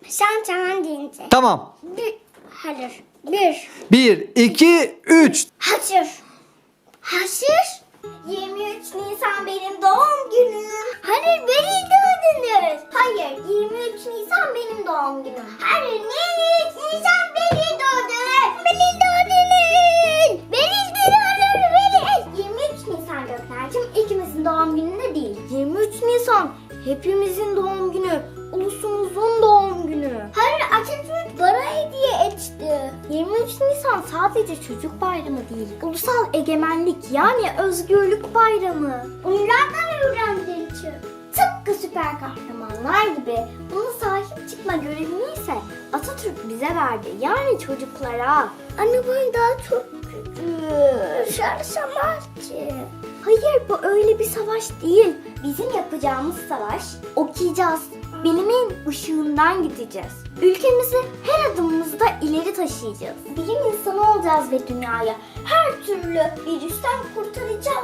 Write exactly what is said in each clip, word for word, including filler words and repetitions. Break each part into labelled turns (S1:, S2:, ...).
S1: Sen tamam deyince.
S2: Tamam.
S1: Bir, hayır. Bir.
S2: Bir, iki, üç.
S1: Hazır. Hazır. yirmi üç Nisan benim doğum günüm. Hayır, beni doğdunuz. Hayır, yirmi üç Nisan benim doğum günüm. Hayır, yirmi üç Nisan benim doğdunuz. Beni doğdunuz. Beni doğdunuz. Beni. yirmi üç Nisan Gökler'cim ikimizin doğum günü değil. yirmi üç Nisan hepimizin doğum günü. Ulusumuzun doğum günü. Hayır, Atatürk bana hediye etti. yirmi üç Nisan sadece çocuk bayramı değil. Ulusal egemenlik yani özgürlük bayramı. Bunlardan öğrendiğim için. Tıpkı süper kahramanlar gibi buna sahip çıkma görevini ise Atatürk bize verdi. Yani çocuklara. Anne bu daha çok küçük. Şarşamaz ki. Hayır, bu öyle bir savaş değil. Bizim yapacağımız savaş okuyacağız. Bilimin ışığından gideceğiz. Ülkemizi her adımımızda ileri taşıyacağız. Bilim insanı olacağız ve dünyayı her türlü virüsten kurtaracağız.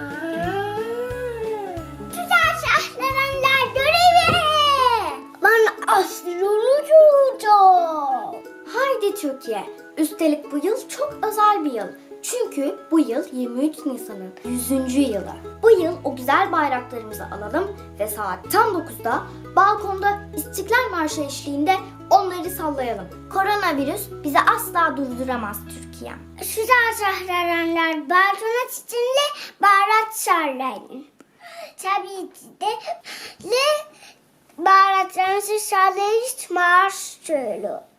S1: Güzel şahlananlar görevi. Ben astronot olacağım. Haydi Türkiye. Üstelik bu yıl çok özel bir yıl. Çünkü bu yıl yirmi üç Nisan'ın yüzüncü yılı. Bu yıl o güzel bayraklarımızı alalım ve saat tam dokuzda balkonda İstiklal Marşı eşliğinde onları sallayalım. Koronavirüs bizi asla durduramaz Türkiye. Güzel şahlananlar balkona çiçinle bayrak sallayın. Tabii ki de bayraklarımızı sallayın, marş söylüyor.